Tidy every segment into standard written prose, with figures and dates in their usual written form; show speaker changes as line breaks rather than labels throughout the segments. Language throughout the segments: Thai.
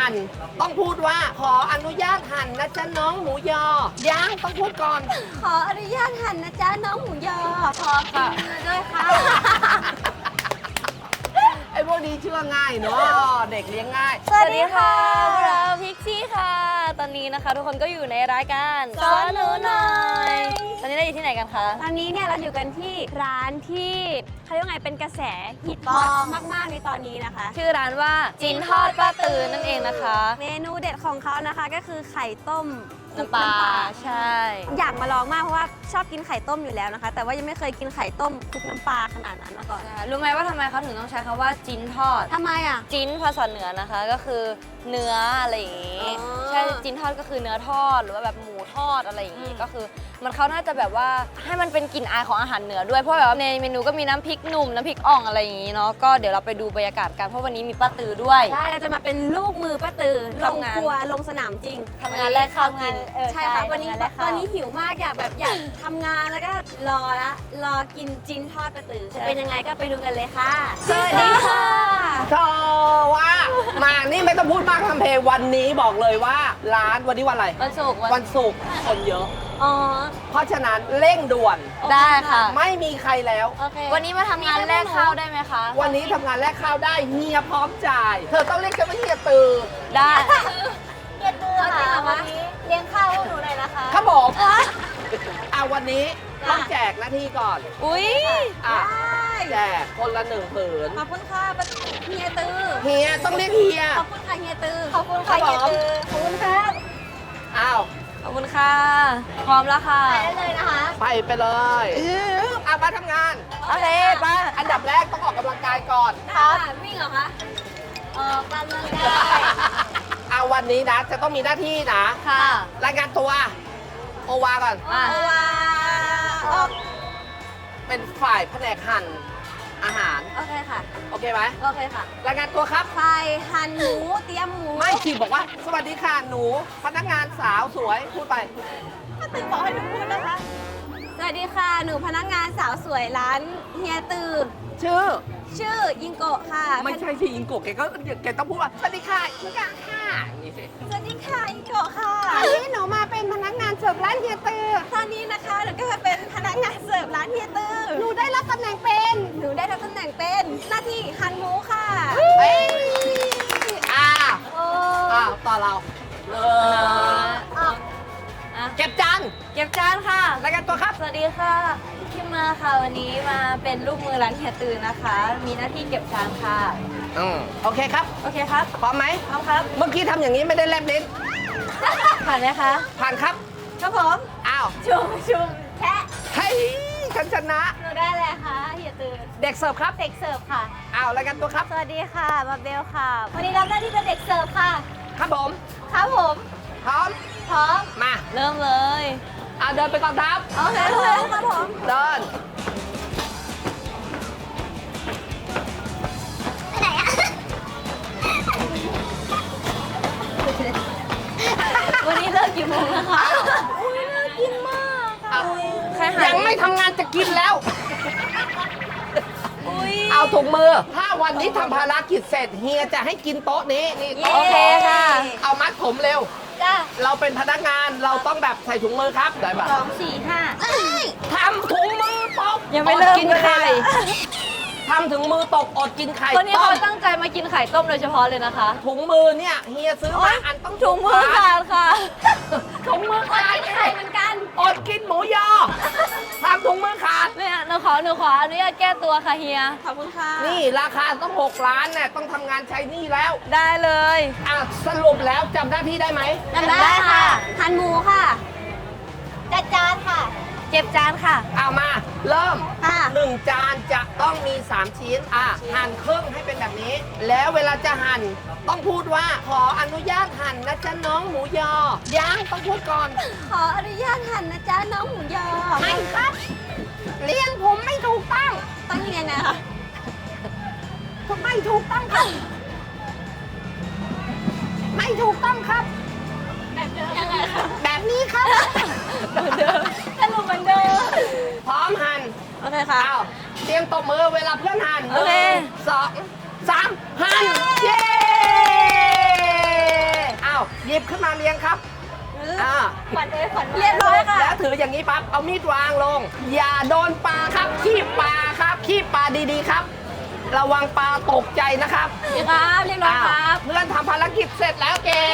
หั่นต้องพูดว่าขออนุญาตหั่นนะจ๊ะน้องหมูยอยังต้องพูดก่อน
ขออนุญาตหั่นนะจ๊ะน้องหมูยอขอกินเนื้อด้วยค่ะ
ไอ้พวกนี้เชื่อง่ายเนาะเด็กเลี้ยงง่าย
สวัสดีค่ะพวกเราพิกซี่ค่ะ ตอนนี้นะคะทุกคนก็อยู่ในรายการสอนหนูหน่อยตอนนี้เราอยู่ที่ไหนกันคะ
ตอนนี้เนี่ยเราอยู่กันที่ร้านที่เขาเรียกว่าไงเป็นกระแสฮิตฮอตมากๆในตอนนี้นะคะ
ชื่อร้านว่าจินทอดป้าตือนั่นเองนะคะ
เมนูเด็ดของเขานะคะก็คือไข่ต้ม
น้ำปลาใช่
อยากมาลองมากเพราะว่าชอบกินไข่ต้มอยู่แล้วนะคะ แต่ว่ายังไม่เคยกินไข่ต้มคลุกน้ำปลาขนาดนั้นมาก่อน
รู้ไหมว่าทำไมเขาถึงต้องใช้คำว่าจินทอด
ทำไมอ่ะ
จิ้นภาษาเหนือนะคะก็คือเนื้ออะไรอย่างงี้
อ๋อ
ใช่จิ้นทอดก็คือเนื้อทอดหรือว่าแบบหมูทอดอะไรอย่างงี้ก็คือมันเขาน่าจะแบบว่าให้มันเป็นกลิ่นอายของอาหารเหนือด้วยเพราะแบบว่าในเมนูก็มีน้ำพริกหนุ่มน้ำพริกอ่องอะไรอย่างงี้เนาะก็เดี๋ยวเราไปดูบรรยากาศกันเพราะวันนี้มีป้าตือด้วย
ใช่เราจะมาเป็นลูกมือป้าตือลง
ทำงาน
ครัวลงสนามจริง
ทำงานแลกข้าวกิน
ใช่ค่ะวันนี้ตอนนี้หิวมากอยากทำงานแล้วก็รอกินจินทอดป้าตือจะเป็นยังไงก็ไปดูกันเลยค่ะสวัสดีค่ะ
โธ่ว่ามานี่ไม่ต้องพูดมากทำเพลงวันนี้บอกเลยว่าร้านวันนี้วันอะไร
วันศุกร์
วันศุกร์คนเยอะ
อ๋อ
เพราะฉะนั้นเร่งด่วน
ได้ค่ะ
ไม่มีใครแล้ว
โอเค
วันนี้มาทำงานแลกข้าวได้ไหมคะ
วันนี้ทำงานแลกข้าวได้เฮียพร้อมจ่าย เธอต้องเรียกฉันว่าเฮียตือ
ได้
เย็นมือค่ะวันนี้เลี้ยงข้าวให้หนูหน่อยนะคะ
ครับผมวันนี้ต้องแจกหน้าที่ก่อน
อุ้ย
อ่ะ
ได้
แจกคนละ1 ผืน
ขอบคุณค่ะเฮียตือ
เฮียต้องเรียกเฮีย
ขอบคุณค่ะเฮียตือขอบคุณ
ครั
ค่ะ
บผม
เฮียตือขอบคุณครับ
อ้าว
ขอบคุณค่ะพร้อมแล้วค่ะ
ไปได้เลยนะคะ
ไปเลยมาทำงาน
โอเคไป
อันดับแรกต้องออกกำลังกายก่อน
ค่ะวิ่งเหรอคะออกกำลังกาย
วันนี้นะจะต้องมีหน้าที่นะ
ค่ะ
รายงานตัวโอวาก่อน
อ่ะ
ว้าออก
เป็นฝ่ายแผนกหั่นอาหาร
โอเคค่ะ
โอเคไหม
โอเคค่ะ
รายงานตัวครับ
ไฟหั่นหมูเตรียมหมู
ไม่สิบอกว่า สวัสดีค่ะหนู พนักงานสาวสวยพูดไป
ตือบอกให้หนูพูดนะคะสวัสดีค่ะหนูพนักงานสาวสวยร้านเฮียตือ
ชื่อ
ชื่อยิงโกะค่ะ
ไม่ใช่ที่อิงโกะแกต้องพูดว่าสวัสดีค่ะอิงกะค่ะอย่างนี้สิ
สวัสดีค่ะยิงโกะค่ะ
อันนี้หนูมาเป็นพนักงานเสิร์ฟร้านเฮียตือ
ตอนนี้นะคะหนูก็จะเป็นพนักงานเสิร์ฟร้านเฮียตือ
หนูได้รับตำแหน่งเป็น
หนูได้รับตำแหน่งเป็นหน้าที่หั่นหมูค่ะ
เอ้ยอ่า
โอ้
ต่อเราเลย
อ่ะ
อ่ะ
เก็บจาน
เก็บจานค่ะ
รายงานตัวครับ
สวัสดีค่ะพี่มาค่ะวันนี้มาเป็นลูกมือร้านเฮียตือนะคะ มีหน้าที่เก็บจานค่ะ
โอเคครับ
โอเคครับ
พร้อมไหม
พร้อมครับ
เมื่อกี้ทำอย่างนี้ไม่ได้แลบลิ้น
ผ่านไหมคะ
ผ่านครับ
ครับผม
อ้าว
ชุมแค่
เฮ้ยฉันชนะ
หนูได้เลยค่ะเฮียตือ
เด็กเสิร์ฟครับ
เด็กเสิร์ฟค่ะ
อ้าวรายงานตัวครับ
สวัสดีค่ะมาเบลค่ะ วันนี้รับหน้าที่เป็นเด็กเสิร์ฟค่ะ
ครับผม
ครับผม
พร้อม
พร้อม
มา
เริ่มเลย
เดินไปก่อนครับ
โอเคครับผม
เดิน
ไปไหนอะ
วันนี้เลิกกี่โมงนะคะ
อุ้ยน่ากินมากค่ะ
ใครหา
ยังไม่ทำงานจะกินแล้ว
อุ้ย
เอาถุงมือ ถ้าวันนี้ทำภารกิจเสร็จเฮียจะให้กินโต๊ะนี้นี่
โอเคค่ะ
เอามัดผมเร็ว
จ้า
เราเป็นพนักงานเราต้องแบบใส่ถุงมือครับได้ปะ
2 4 5
ทำถุงมือตก
ยังไม่เริ่ม
อดกินไข่
เลยนะ
ทำถุงมือตกอดกินไข่
คนนี้
ต้
เขา
ม
ตั้งใจมากินไข่ต้มโดยเฉพาะเลยนะคะ
ถุงมือเนี่ยเฮียซื้อมาอันต้อง
ถุงมือขาดค่ะ
ถุงมือขาด
ไข่เหมือนกัน
อดกินหมูยอทำถุงมือขาด
เนี่ยหนูขออนุญาตแก้ตัวค่ะเฮีย
ขอบคุณค่ะ
นี่ราคาต้อง6 ล้านเนี่ยต้องทำงานใช้หนี่แล้ว
ได้เลย
สรุปแล้วจำหน้าที่ได้ไหม
จำได้ค่ะหั่นหมูค่ะจัดจานค่ะ
เก็บจานค่ะ
เอามา เริ่ม
ค่ะ
1 จานจะต้องมี 3 ชิ้นหั่นครึ่งให้เป็นแบบนี้ แล้วเวลาจะหั่นต้องพูดว่าขออนุญาตหั่นนะจ๊ะน้องหมูยอยังต้องพูดก่อน
ขออนุญาตหั่นนะจ๊ะน้องหมูยอ
ไม่ครับเลี้ยงผมไม่ถูกต้อง
ต้องยังไงนะคะ
ไม่ถูกต้องครับ ไม่ถูกต้องครับ
ยังไงคะ
แบบนี้ครับ
สรุปเหมือนเดิม
พร้อมหั่น
โอเคค่ะ
อ้าวเตรียมตบมือเวลาเพื่อนหั่น
โอเค
1 2 3หั่นเย้
ขวัญเรียบร้อยค่ะ
แล้วถืออย่างนี้ปั๊บเอามีดวางลง อย่าโดนปลาครับขี้ปลาครับขี้ปลาดีๆครับ ระวังปลาตกใจนะครับ
นี่ครับเรียบร้อยครับ
เพื่อนทำภารกิจเสร็จแล้วเก่ง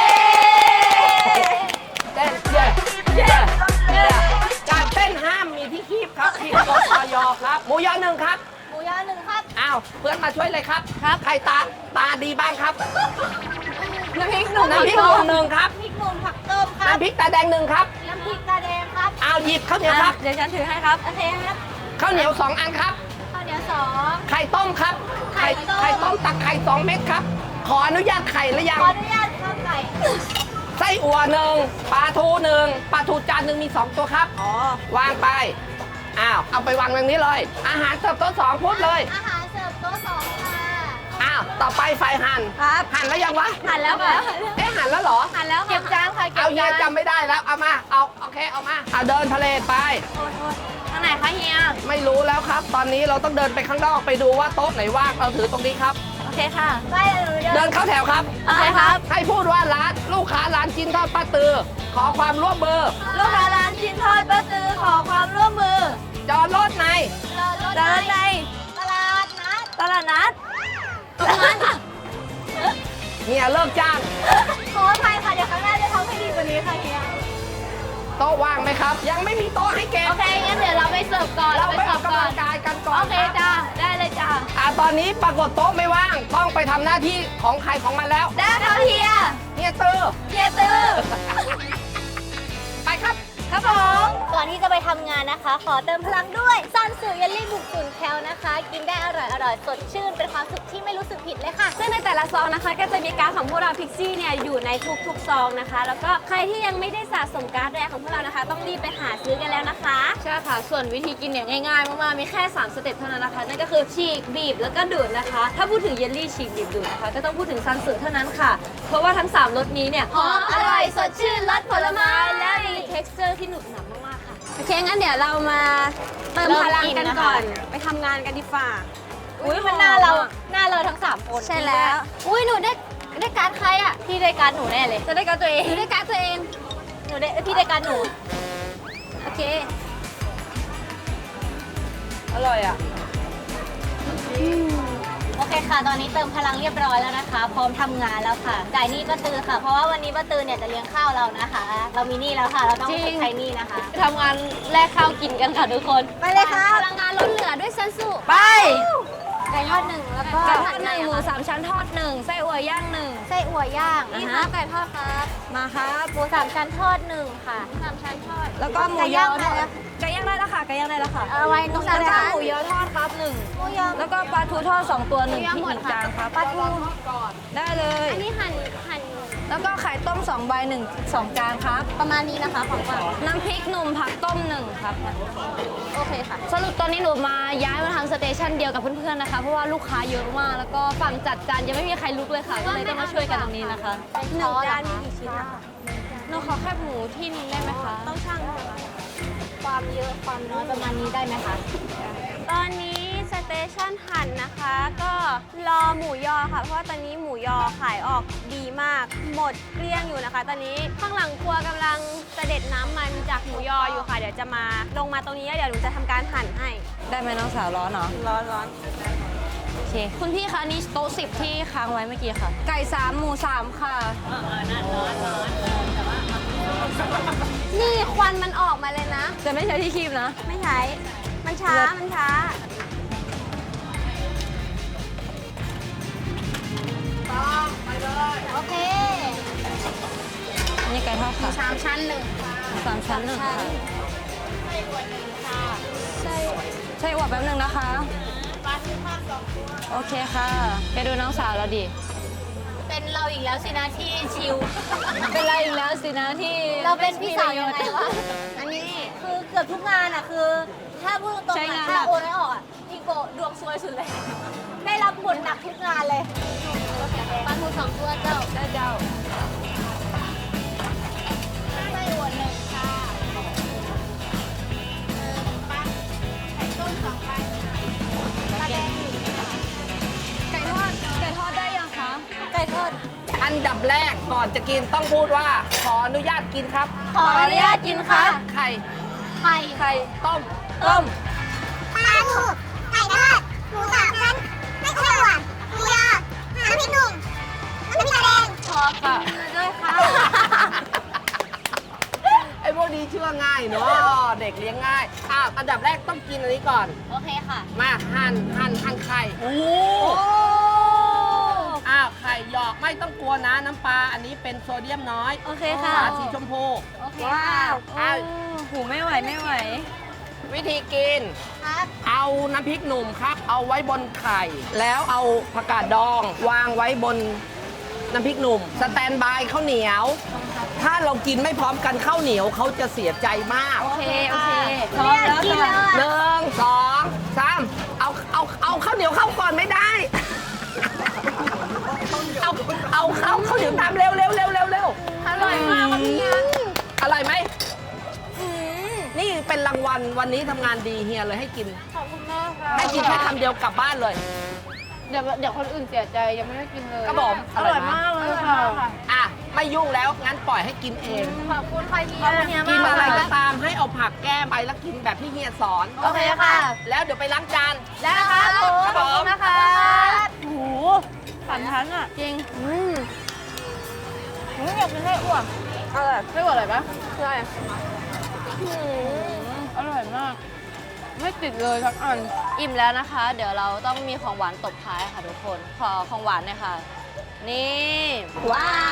เต้นเย้การเต้นห้ามมีที่คีบครับผิดกฎอยครับหมูยอหนึ่งครับ
หมูยอหนึ่งครับ
อ้าวเพื่อนมาช่วยเลยครับใครตาดีบ้างครับ
น้ำพริกหนุ่ม
น้ำพริกหนุ่มหนึ่งครับ
พริกหนุ่มผักต้มครับ
น้ำพริกตาแดงหนึ่งครับ
น้ำพริกตาแดงครับ
อ้าวหยิบข้าวเหนียวครับ
เดี๋ยวฉันถือให้ครับ
โอเคครับ
ข้าวเหนียว2 อันครับ
ข้าวเหนียวสอง
ไข่ต้มครับ
ไข่ต้ม
ไข่ต้มตักไข่2 เม็ดครับ ขออนุญาตไข่หรือยัง
ขออนุญาตข้าวไก่
ไส้อั่วหนึ่งปลาทูหนึ่งปลาทูจานหนึ่งมี 2 ตัวครับ วางไป อ้าว เอาไปวางตรงนี้เลย อาหารเสิร์ฟโต๊ะ2พูดเลย
อาหารเสิร์ฟโต๊ะสองค่ะ
อ้าว ต่อไปไฟหั่น
ครับ
หั่นแล้วยังวะ
หั่นแล้วค่ะ
เอ๊ะหั่นแล้วเหรอ
หั่นแล้วค่ะเก็บจานค่ะเก็บ
เอาเฮีย
จาน
จำไม่ได้แล้ว เอามา เอาโอเค เอามา เอาเดินทะเลไป
ทางไหนคะเฮีย
ไม่รู้แล้วครับ ตอนนี้เราต้องเดินไปข้างนอกไปดูว่าโต๊ะไหนว่าง เราถือตรงนี้ครับ
โอเคค่ะไปเลย
เดินเข้าแถวครับ
โอเคครับ
ให้พูดว่าร้านลูกค้าร้านจินทอดป้าตือ ขอความร่วมมือ
ลูกค้าร้านชิ้นทอดป้าตือขอความร่วมมือ
จอดรถใน
ตลาดในตลาดนัดตลาดนัดตรงนั้น
เนี่ยเลิกจ้าง
ขออภัยค่ะเดี๋ยวครั้งหน้าจะทำให้ดีกว่านี้ค่ะเฮีย
โต๊ะว่างไหมครับ ยังไม่มีโต๊ะให้เก็บ
โอเคงั้นเดี๋ยวเราไปเสิร์ฟก่อน
เราไปอ
เสิ
อ
ร์
ก
ฟ
กำ
ก่อ
ลั
น
งกายกันก่อน
โอเค
ครับ
จ้าได้เลยจ้า
ตอนนี้ปรากฏโต๊ะไม่ว่าง ต้องไปทำหน้าที่ของใครของมันแล้ว
ได้ค่ะเฮีย
เนี่ยตื้อ
เฮียตื้อ
ไปครับ
ครับผมก่อนที่จะไปทำงานนะคะ ขอเติมพลังด้วยซันสึเยลลี่บุกตุนแคลนะคะ กินได้อร่อยสดชื่นเป็นความสุขที่ไม่รู้สึกผิดเลยค่ะ
ซึ่งในแต่ละซองนะคะก็จะมีการ์ดของพวกเราพิกซี่เนี่ยอยู่ในทุกๆซองนะคะ แล้วก็ใครที่ยังไม่ได้สะสมการ์ดแรกของพวกเรานะคะ ต้องรีบไปหาซื้อกันแล้วนะคะ
ใช่ค่ะ ส่วนวิธีกินเนี่ยง่ายๆ มากๆ มีแค่ 3 สเต็ปเท่านั้นนะคะ นั่นก็คือฉีกบีบแล้วก็ดูดนะคะ ถ้าพูดถึงเยลลี่ฉีกบีบดูดนะคะ ก็ต้องพูดถึงซันสึเท่านั้นค่ะ เพราะว่าทั้ง 3 รสนี้เนี่ย
หอมอร่อยสดชื่นรสผลไม้
และมี texture ที่หนุบหนับมากๆค่ะ โอเค งั้นเดี๋ยวเรามาเติมพลังกันก่อน ไปทำงานกันดีฝ่า
อุ้ยมันหน้าเราทั้ง3คน
ใช่แล้ว
อุ้ยหนูได้การดใครอ่ะพี่ได้การดหนูแน่เลย
จะได้การตัวเองได้การตัวเอง
พี่ได้การดหนู
โอเค
อร่อยอ่ะ
โอเคค่ะ ตอนนี้เติมพลังเรียบร้อยแล้วนะคะ พร้อมทำงานแล้วค่ะ จ่ายหนี้ป้าตือค่ะ เพราะว่าวันนี้ป้าตือเนี่ยจะเลี้ยงข้าวเรานะคะ เรามีหนี้แล้วค่ะ เราต้อง
จริง
ใช้หนี้นะคะ
ทำงานแลกข้าวกินกันค่ะทุกคน
ไปเลยค่ะ
พลังงานล้นเหลือด้วยซันสุ
ไป
ไก่ทอดหนึ่งแล้วก็
ไก่ทอดหนึ่งหมูสามชั้นทอดหนึ่งไส้อั่วย่างหนึ่ง
ไส้อั่วย่าง
นี่
นี่
ค่ะ
ค่ะไก่ทอดครับ
มาครับ
หมู3 ชั้นทอด1ค่ะ3 ชั้นทอด
แล้วก็หมู
ไก่
ย
ย่า
อง
ได้แล้ว
ไก่ย่างได้แล้วค่ะไก่ย่างได้แล้วค่ะ
เอาไว้ตรงนั้น
แล้ว
นะ
ก็
คะ
หมูยอทอดครับหนึ่ง
หมูยอ
แล้วก็ปลาทูทอด2 ตัวหนึ่งที่หนึ่งจานครับ
ปลาทู
ได้เลย
อันนี้หั่น
แล้วก็ไข่ต้ม2ใบ1 2จานครับ
ประมาณนี้นะคะของฝาก
น้ำพริกหนุ่มผักต้ม1ครับ
โอเคค่ะ
สรุปตอนนี้หนูมาย้ายมาทางสเตชันเดียวกับเพื่อนๆนะคะ เพราะว่าลูกค้าเยอะมาก แล้วก็ฝั่งจัดจานยังไม่มีใครลุกเลยค่ะ ก็เลยต้องมาช่วยกันตรงนี้นะคะ
หนึ่งจานมีกี่ชิ้นนะคะ
หนูขอแคบหมูที่นึงได้ไหมคะ
ต้องช่างใช่ไหม
ความเยอะความน้อยประมาณนี้ได้ไหมคะ
ตอนนี้สเตชันหั่นนะคะ ก็รอหมูยอค่ะ เพราะว่าตอนนี้หมูยอขายออกดีมาก หมดเกลี้ยงอยู่นะคะ ตอนนี้ข้างหลังครัวกำลังเสด็จน้ำมันจากหมูยออยู่ค่ะ เดี๋ยวจะมาลงมาตรงนี้แล้วเดี๋ยวหนูจะทำการหั่นให้
ได้ไหมน้องสาวร้อนเหรอ
ร้อน
โอเค คุณพี่คะอันนี้โต๊ะ10ที่ค้างไว้เมื่อกี้ค่ะ ไก่3หมู3ค่ะ
นี่ควันมันออกมาเลยนะ
จะไม่ใช้ที่คีบนะ
ไม่ใช้ มันช้า มันช้า
โอเค
อันนี้ไก่ทอดค่ะ
3 ชั้น1ค่ะ
3 ชั้นหนึ่งค่ะ
ไส้อั่ว1ค่ะ
ใช่อวดแป๊บนึงนะคะ
ปลาทูทอด2 ตัว
โอเคค่ะไปดูน้องสาวเราดิ
เป็นเราอีกแล้วสินะที่ชิล
เป็นไรอีกแล้วสินะที่
เราเป็นพี่สาวยังไงวะ อันนี้คือเกือบทุกงานอ่ะคือ ถ้าพูดตรงๆอะถ้าโอนไม่ออกอ่ะพี่โกดวงซวยสุดเลย ได้รับบทหนักทุกงานเลยปลาทู2 ตัวเจ้า
ได้เจ้า
ไส้อั่ว1ค่ะปลาไข่ต้ม2 ใบปลาแดง1ค่ะ
ไก่ทอดได้ยังคะ
ไก่ทอด
อันนดับแรกก่อนจะกินต้องพูดว่า ขออนุญาตกินครับ
ขออนุญาตกินค่ะ
ไข่
ไข่
ไข่
ต้ม
ต้ม
ปลาทูไก่ทอดหมูสามชั้นไม่ใช่หวานหมูยอน้ำพริกหนุ่มน้ำพริกตาแดง
ขอค่ะด้วยค่ะ
ไอ้พวกนี้เชื่อง่ายเนาะเด็กเลี้ยงง่ายอันดับแรกต้องกินอันนี้ก่อน
โอเคค่ะ
มาหั่นไข่โอ้ไข่หยอกไม่ต้องกลัวนะน้ำปลาอันนี้เป็นโซเดียมน้อย
โอเคค่ะ
ฝาสีชมพู
โอเค
ว้า
ค่ะ
วหูไม่ไหวไม่ไหว
วิธีกิน
ครับ
เอาน้ำพริกหนุ่มครับ เอาไว้บนไข่ แล้วเอาผักกาดดอง วางไว้บนน้ำพริกหนุ่ม สแตนบายข้าวเหนียว ถ้าเรากินไม่พร้อมกันข้าวเหนียวเขาจะเสียใจมาก
โอเคโอเค
พร้อมแล้ว
กินแล้ว
ค่ะ
หนึ่งสองสามเอาข้าวเหนียวเข้าก่อนไม่ได้ เอาข้าวเหนียวตามเร็วเร็วเร็วเร็วเร็ว
อร่อยมากวันนี้
อร่อยไหมนี่เป็นรางวัลวันนี้ทำงานดีเฮียเลยให้กิน
ขอบคุณมากค่ะ
ให้กินแค่คำเดียวกลับบ้านเลย
เดี๋ยวคนอื่นเสียใจยังไม่ได้กินเลย
ครับผม
อร่อยมากเลยค่ะ
อ่ะไม่ยุ่งแล้วงั้นปล่อยให้กินเอง
ขอบคุณค่ะเฮีย
ขอบคุณเฮีย
กิน
มาก
อะไรก็ตามให้เอาผักแก้มไปแล้วกินแบบที่เฮียสอน
โอเคค่ะ
แล้วเดี๋ยวไปล้างจาน
ได้ค่ะ
ครับผม
นะคะ
โอ้โหฝันทันอ่ะ จริงอยากกินไส้อั่วอร่อยไส้อั่วอร่อยปะใช่อร่อยมาก ไม่ติดเลยทักอัน อิ่มแล้วนะคะ เดี๋ยวเราต้องมีของหวานตบท้ายค่ะทุกคน ขอของหวานหน่อยค่ะ นี่
ว้าว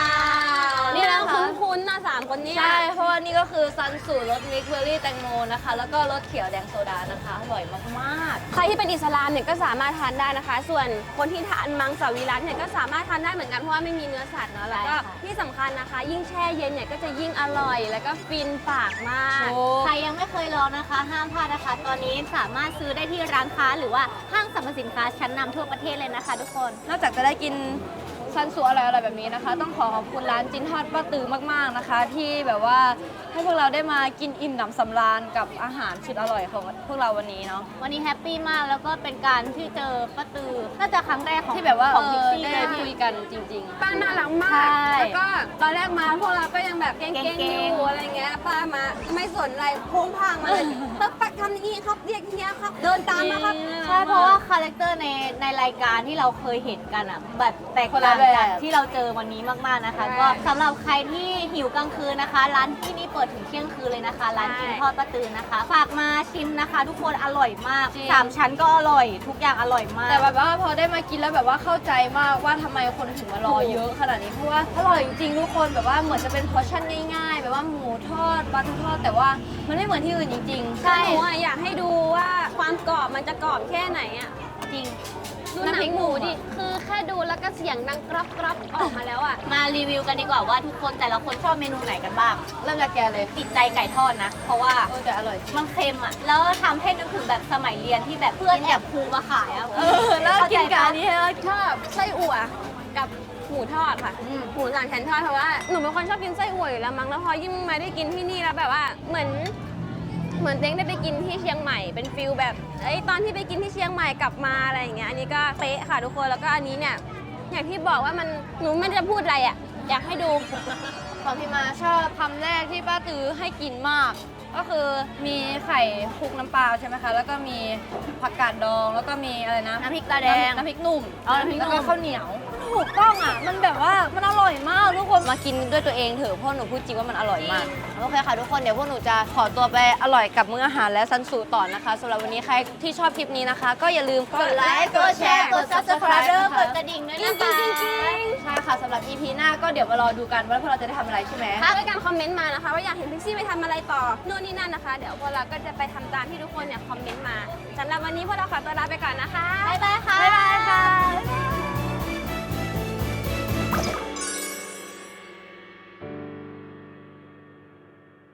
นี่นะคะ
คุ้นๆนะสามคนเนี้
ใช่ เพราะว่านี่ก็คือซันสูตรรสมิกซ์เบอร์รี่แตงโมนะคะ แล้วก็รสเขียวแดงโซดานะคะ อร่อยมาก
ใครที่เป็นอิสลามเนี่ยก็สามารถทานได้นะคะ ส่วนคนที่ทานมังสวิรัติเนี่ยก็สามารถทานได้เหมือนกันเพราะว่าไม่มีเนื้อสัตว์เนาะแล้วก็ที่สำคัญนะคะ ยิ่งแช่เย็นเนี่ยก็จะยิ่งอร่อย แล้วก็ฟินปากมาก
ใครยังไม่เคยลองนะคะ ห้ามพลาดนะคะ ตอนนี้สามารถซื้อได้ที่ร้านค้าหรือว่าห้างสรรพสินค้าชั้นนำทั่วประเทศเลยนะคะ ทุกคน
ๆ นอกจากจะได้กินซันสูอร่อยๆแบบนี้นะคะ ต้องขอขอบคุณร้านจินทอดป้าตือมากๆนะคะ ที่แบบว่าให้พวกเราได้มากินอิ่มหนำสำราญกับอาหารสุดอร่อยของพวกเราวันนี้เนาะ
วันนี้แฮปปี้มากแล้วก็เป็นการที่เจอป้าตือน่าจะครั้งแรกของ
ที่แบบว่า
ของพิกซี่
ได้
นะ
คุยกันจริงๆ
ป้าน่ารักมา
ใช่
ก แล้วก็ตอนแรกมาพวกเราก็ยังแบบเก่งๆอยู่อะไรเงี้ย ป้ามาไม่สนอะไรโค้งพางมาเลยตักปักทำอย่างนี้ครับเรียกเฮียครับ เดินตามมาครับ
ใช่เพราะว่าคาแรคเตอร์ในรายการที่เราเคยเห็นกันอ่ะแบบแตก
คนละ
ต่าง
แบ
กัน
บ
ที่เราเจอวันนี้มากๆนะคะ ก็สำหรับใครที่หิวกลางคืนนะคะ ร้านที่นี่เปิดถึงเที่ยงคืนเลยนะคะ ร้านกินทอดป้าตือนะคะ ฝากมาชิมนะคะ ทุกคนอร่อยมาก
จริง
3 ชั้นก็อร่อย ทุกอย่างอร่อยมาก
แต่แบบว่าพอได้มากินแล้วแบบว่าเข้าใจมากว่าทำไมคนถึงมารอเยอะขนาดนี้เพราะว่าอร่อยจริงๆทุกคนแบบว่าเหมือนจะเป็นพอร์ชั่นง่ายๆ แบบว่าหมูทอดปลาทูทอดแต่ว่ามันไม่เหมือนที่อื่นจริงๆ
ใช่หนูอะอยากให้ดูว่าความกรอบมันจะกรอบแค่ไหนอ่ะ
จริง
ดูหนังหมูดิ คือแค่ดูแล้วก็เสียงดังกรอบกรอบออกมาแล้วอ่ะ
มารีวิวกันดีกว่าว่าทุกคนแต่ละคนชอบเมนูไหนกันบ้าง
เริ่มจากแกเลย
ติดใจไก่ทอดนะ เพราะว่า
แต่อร่อย
มันเค็มอ่ะ แล้วทำให้นึกถึงแบบสมัยเรียนที่แบบเพื่อนแอบครูมาขายอ่ะ
แล้วกินกับอันนี้
ชอบไส้อั่วกับหมูทอดค่ะหมูสามชั้นทอดเพราะว่าหนูเป็นคนชอบกินไส้อั่วอยู่แล้วมั้งแล้วพอยิ่งมาได้กินที่นี่แล้วแบบว่าเหมือนเต้งได้ไปกินที่เชียงใหม่เป็นฟิลแบบตอนที่ไปกินที่เชียงใหม่กลับมาอะไรอย่างเงี้ยอันนี้ก็เป๊ะค่ะทุกคนแล้วก็อันนี้เนี่ยอย่างที่บอกว่ามันหนูไม่ได้พูดอะไรอ่ะอยากให้ดู
ของพี่มาชอบคำแรกที่ป้าตือให้กินมาก ก็คือมีไข่คลุกน้ำปลาใช่ไหมคะ แล้วก็มีผักกาดดอง แล้วก็มีอะไรนะ
น้ำพริกตาแดง
น้ำพริกหนุ่ม
น้ำพริกหนุ่ม
แล้วก็ข้าวเหนียวถูกต้องอ่ะ มันแบบว่ามันอร่อยมากทุกคนมากินด้วยตัวเองเถอะเพราะหนูพูดจริงว่ามันอร่อยมาก โอเคค่ะทุกคนเดี๋ยวพวกหนูจะขอตัวไปอร่อยกับมื้ออาหารและซันสูต่อนะคะสำหรับวันนี้ใครที่ชอบคลิปนี้นะคะ ก็อย่าลืมกดไลค์
กดแชร์ กด subscribe กดกระดิ่งด้วยนะคะ
ใช่ค่ะสำหรับ EP หน้าก็เดี๋ยวมารอดูกันว่าพวกเราจะได้ทำอะไรใช่ไหม
ถ้าด้วยการคอมเมนต์มานะคะว่าอยากเห็นพิกซี่ไปทำอะไรต่อนู่นนี่นั่นนะคะ เดี๋ยวพวกเราก็จะไปทำตามที่ทุกคนเนี่ยคอมเมนต์มาสำหรับวันนี้พวกเราขอตัวลาไปก่อนนะคะ